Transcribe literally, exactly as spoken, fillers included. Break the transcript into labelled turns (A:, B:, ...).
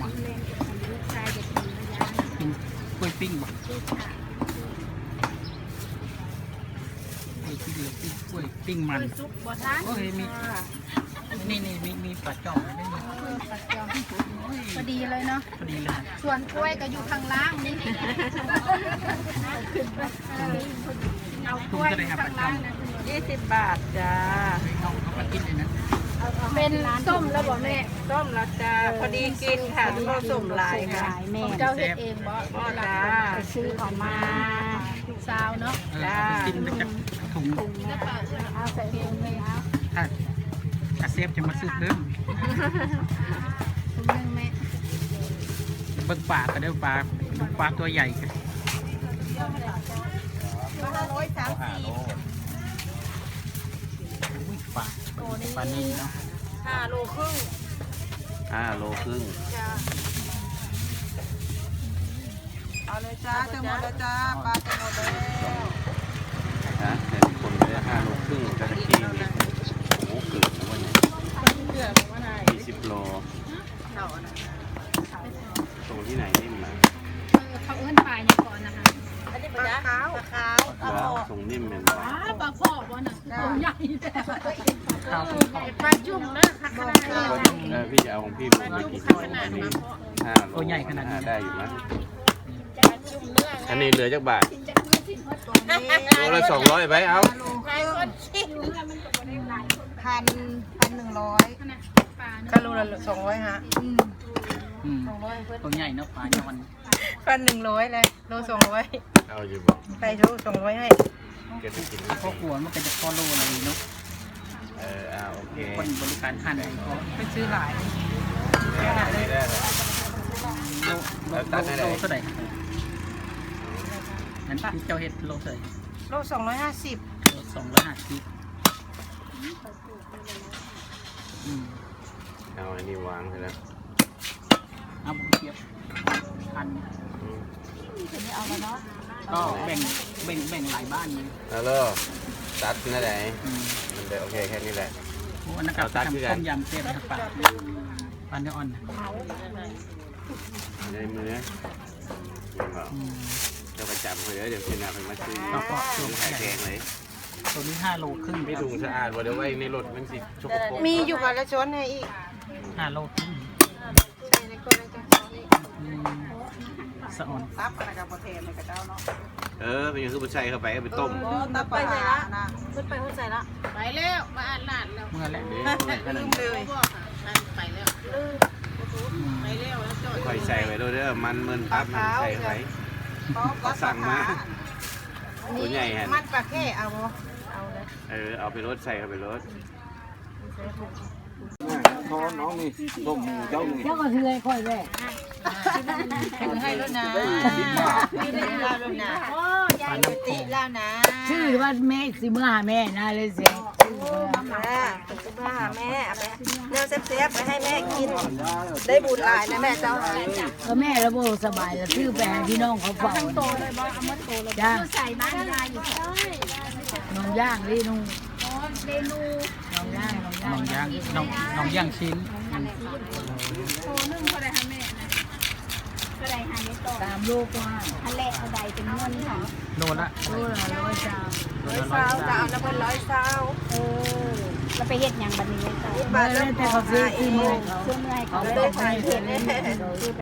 A: กินกล้วยปิ้งบ่กล้วยปิ้งหรือกล้วยปิ้งมันโอ้ยมีนี่นี่มีมีปลาจ่อมด้วยนี่
B: ปัดจอมพอดีเลยเนาะ
A: พอดีเลย
B: ส่วนกล้วยก็อยู่ข้างล่างนี่เอากล้วยข้างล่างนะยี่สิบบาทจ้า
A: เอาเอามากินเลยนะ
B: เป็นส้มแล้วบ่แม่
C: ส้มแล้วจ้าพอดีกินค่ะทุกคนส้มลายค่ะ
B: แม่เจ้าเฮ็ดเองบ่
C: พ่อจ้า
B: ไปซื้อของมาซาวเนาะ
A: เออเอาไปกินไปจากถุง
B: เอาใส่ถุงเลยเอา
A: ถ้าถ้าเซฟจะมาซื้อเพิ่ม
B: ถุงนึงแม่
A: เบิ่งปลาก็ได้ปลาปลาตัวใหญ่กัน
C: ร้อยสามสิบ
A: อุ้ยปลาปลานิ่เนาะ
C: ห้าโลครึ่ง
D: ห้าโลครึ่ง
C: จ้าเอาเลยจ้าจะหมดแล้วจ้าปลาจะหมดแล้ว
D: นะแต่คนไม่ได้ห้าโลครึ่งกระกี้นี่โอ้เกิดนะวันนี้
C: เกือบว่าไหน
D: ยี่สิบโล
C: เท่านะ
D: ตรงที่ไหนนิ่มนะ
B: เขาเอื้อนปลาอย่างก่อนนะคะ
C: อันนี้ปลาขาวปลาขาวปลา
D: ว่า
C: โม
D: ทรงนิ่มเป็นบ่
B: ปลาพ่อบ่น่ะตัวใหญ่แต่
A: ข้าว
B: ปลาจุ่มนะค่ะขนาดนี้
D: เออพี่จะเอาของพี่ผมไปกี่ตัวอันนี้ห้าโลอ่าได้อยู่นะอันนี้เหลือจากบาทโลละสองร้อยไปเอา
C: พันพันหนึ่งร้อย
B: ปลา
C: ก็โลละสองร้อยฮะ
A: อืมตัวใหญ่เนาะปลาเนี่ยวัน
C: พันหนึ่งร้อยเลยโลสองร้อย
D: เอาอยู่บ่
C: ไปโลสองร้อยให้
D: เก็บไปกิน
A: พ่อขวมันเป็นจะพอโลอะไรเนาะ
D: เอออ่าโอเค
A: คนบริการหั่นเขา
C: ไปซื้อหลาย
D: ได้ได้ได้
A: โลโลโลเท่าไหร่นั้นที่เจ้าเห็ดโลเท่าไหร่
C: โลสองร้อยห้าสิบ
A: โลสองร้อยห้าสิบอืม
D: เอาอันนี้วางไปแล้ว
A: เอาบุกเทียบพัน
D: อืม
A: ก็แบ่งแบ่งแบ่งหลายบ้านเลย
D: แล้วก็ตัดนั่นแหละ
A: อืม
D: มันเดี๋ยวโอเคแค่นี้แหละ
A: โอ้อันนั้นกับ
D: เอาตัดคือ
A: ทำ
D: กัน
A: ต้มยำเทียบกับปลาปลาเนื้ออ่อนนะ
D: ในมือยังบอก
A: อืม
D: เจ้าประจำเขาเดี๋ยวเดี๋ยวเชนาไปมาซื้อ
A: แล้วก็
D: ซื้อไข่แกงเลย
A: ตัวนี้ห้าโลครึ่ง
D: ไม่ถุงสะอาดว่าเดี๋ยวไว้ในรถมันสิชกปรก
C: มีอยู่ค่ะแล้วช้อนให้อีก
A: ห้าโลครึ่ง
C: ใช่ในคนละจ้า
A: อืมสะอ่อน
C: ซับอะไรกับประเทศในกระเจ้าเนาะ
D: เออเป็นยังคือผู้ชายเข้าไปเอาไปต้ม
C: ตับไปใส่ละขึ้นไปขึ้นใส่ละ
B: ไปแล้วมาอ่านหลานแล้ว
A: เมื่อแล้ว
C: ลืมเลย
B: ไปแล้ว
A: อืม
B: ไปแล้วแล้วจอด
D: ค่อยใส่ไว้ด้วยเด้อมันเมินปั๊บมันใส่ไว้ก็สั่งมาตัวใหญ่ฮะ
C: มันปลาแค่เอาเอาเลย
D: เออเอาไปรถใส่เข้าไปรถ
E: ท้อน้องนี่ต้มหมูเจ้านี่
F: เจ้าก็คือไอ้ค่อยแม่
C: ถือให้แล้วนะไม่ได้ลาแล้วนะโอ้ยายอยู่ติแล้วนะ
F: ชื่อว่าแม่สิเมื่อหาแม่นะเลยเสียง
C: แม่คุณป้าแม่เอาไปเนื้อเซฟๆไปให้แม่กิน ได้บุญหลายนะแม่เจ้า
F: ก็แม่ระบบสบายแล้วชื่อไปให้พี่น้องเขาเฝ้า
B: โตเลยบ่เอามาโตเลย
F: จ้าง
B: ใส่บ้านยายอยู่ใช่
F: น้องย่างนี่นุ่ง
B: อ๋อเมนู
F: น้องย่างน้องย่า
A: น้อง งย่างน้องน้องย่างชิ้น
B: โตนึ่งเท่าไรคะแม่เท่าไรหาไม่โต
F: ตามลูกว่า
B: อันแรกเท่าไรเป็นเงินค่ะ
A: โลละ
F: โลละร้อยสาม
A: โล
C: ร้อย
A: ละร้อ
C: เศร้าย จะเอาน้ำมันร้อยเศร้า
B: เออเราไปเฮ็ดหยังบัดนี้จ้ะ
C: นี่
F: เมื่
C: บา
F: อ
C: ท
F: แล้
C: เริ่
F: ว
C: ม
F: แต่
C: พอ
F: เขาซื้อ
C: ขายเอ
F: ที่มือง เขา
B: เสื้อเมื่อย
F: เขา
B: เขา
F: ต้
B: ต้
F: อ
B: อง ง
F: ให้
B: ให้
F: เห็
B: เห็
F: น
B: น